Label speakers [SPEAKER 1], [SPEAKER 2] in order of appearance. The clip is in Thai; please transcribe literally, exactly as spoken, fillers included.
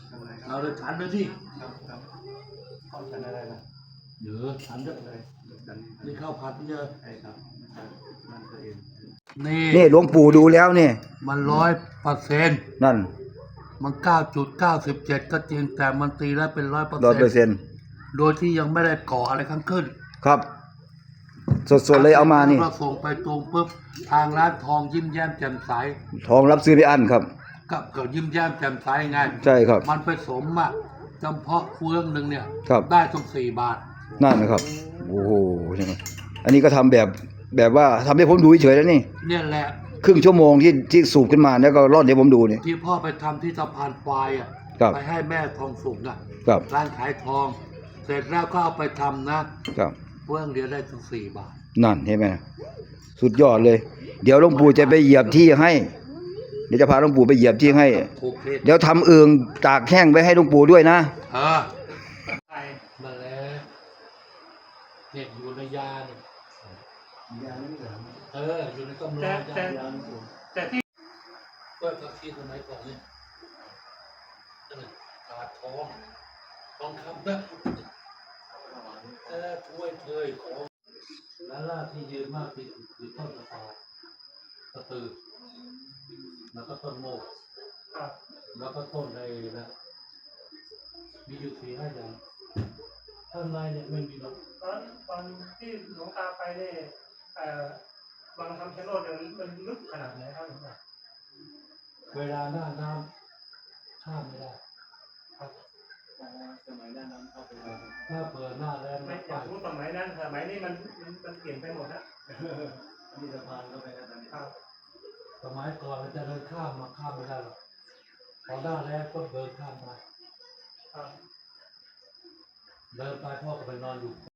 [SPEAKER 1] เราเลยฉันเลยที่
[SPEAKER 2] ครับครับข้าวฉันอะไรล่ะ
[SPEAKER 1] เดี๋ยวฉันจะ
[SPEAKER 2] เลยฉัน
[SPEAKER 1] นี่ข้าวผัดเยอะ
[SPEAKER 2] ใช่ครับมันตัวเอง
[SPEAKER 1] นี่
[SPEAKER 3] นี่หลวงปู่ดูแล้วนี่
[SPEAKER 1] มันร้อยเปอร์เซ็นต์
[SPEAKER 3] นั่น
[SPEAKER 1] มันเก้าจุดเก้าสิบเจ็ดก็จริงแต่มันตีแล้วเป็นร้อยเปอร์
[SPEAKER 3] ร้อยเปอร์
[SPEAKER 1] เซ็นต์
[SPEAKER 3] เซ็นต์
[SPEAKER 1] โดยที่ยังไม่ได้ก่ออะไรข้างขึ้น
[SPEAKER 3] ครับ สดๆเลยเอามานี่
[SPEAKER 1] เราส่งไปตรงปุ๊บทางร้านทองยิ้มแย้มแจ่มใส
[SPEAKER 3] ทองรับซื้อไปอันครับ
[SPEAKER 1] กับกับยิ้มแย้มแจ่มใสไง
[SPEAKER 3] ใช่ครับ
[SPEAKER 1] มันไปสมอ่ะจำเพาะเฟืองหนึ่งเนี่ย
[SPEAKER 3] ครับ
[SPEAKER 1] ได้ต้องสี่บาท
[SPEAKER 3] นั่นนะครับ โอ้โหใช่ไหมอันนี้ก็ทำแบบแบบว่าทำให้ผมดูเฉยๆแล้วนี่
[SPEAKER 1] เนี่ยแหละ
[SPEAKER 3] ครึ่งชั่วโมงที่ที่สูบขึ้นมาแล้วก็ร่อนให้ผมดูนี่
[SPEAKER 1] ที่พ่อไปทำที่สะพานควายอ่ะ
[SPEAKER 3] ครับ
[SPEAKER 1] ไปให้แม่ทองสุกอ่ะ
[SPEAKER 3] ครับ
[SPEAKER 1] ร้านขายทอง เสร็จแล้วก็เอาไปทำนะครับ เฟืองเดียวได้ถึงสี่บาท
[SPEAKER 3] นั่นเห็นไหมสุดยอดเลย เดี๋ยวหลวงปู่จะไปเหยียบที่ให้ เดี๋ยวจะพาหลวงปู่ไปเหยียบที่ให้
[SPEAKER 1] ถูกเพศ
[SPEAKER 3] เดี๋ยวทำเอืองตากแห้งไว้ให้หลวงปู่ด้วยนะ
[SPEAKER 1] เออมาแล้วเห็ดอยู่ในยาเนี่ย
[SPEAKER 2] ยาไม่เหลือ
[SPEAKER 1] เอออยู่ในกำลัง
[SPEAKER 4] แต่
[SPEAKER 1] ยา
[SPEAKER 4] แต่
[SPEAKER 2] ยาไม่เหลือ
[SPEAKER 4] แต่ที่
[SPEAKER 1] เพื่อพักที่สมัยก่อนเนี่ยนั่นแหละขาดทองทองคำนะเออถ้วยเทยของและล่าที่ยืนมากที่สุดคือต้นตะตาตะตือแล้วก็ต้นโมก
[SPEAKER 4] ครับ
[SPEAKER 1] แล้วก็ต้นไอ้นะมีอยู่สี่ห้าอย่างข้างในเนี่ยไม่มีหรอก
[SPEAKER 4] ตอนตอนที่หลวงตาไปเนี่ยเอ่อบางคำชะโนดเนี่ยมันลึกขนาดไหนครับหลวงตา
[SPEAKER 1] เวลาหน้าน้ำข้ามไม่ได้
[SPEAKER 4] ครับ
[SPEAKER 2] สมัยนั้นน้ำเข้าไปเลย
[SPEAKER 1] ถ้าเปิดหน้าแรง
[SPEAKER 4] ไม่
[SPEAKER 1] ไม่
[SPEAKER 4] อ
[SPEAKER 1] ไป
[SPEAKER 4] ยากรู้สมัยนั้นสมัยนี้มันมันมันเปลี่ยนไปหมดนะ
[SPEAKER 2] มีสะพานเข้าไปแล้วตอนนี้
[SPEAKER 4] ครับ
[SPEAKER 1] สมัยก่อนเราจะเดินข้ามมาข้ามไม่ได้หรอกพอหน้าแรงก็เดินข้ามไป
[SPEAKER 4] ครับ
[SPEAKER 1] เดินไปพ่อก็ไปนอนอยู่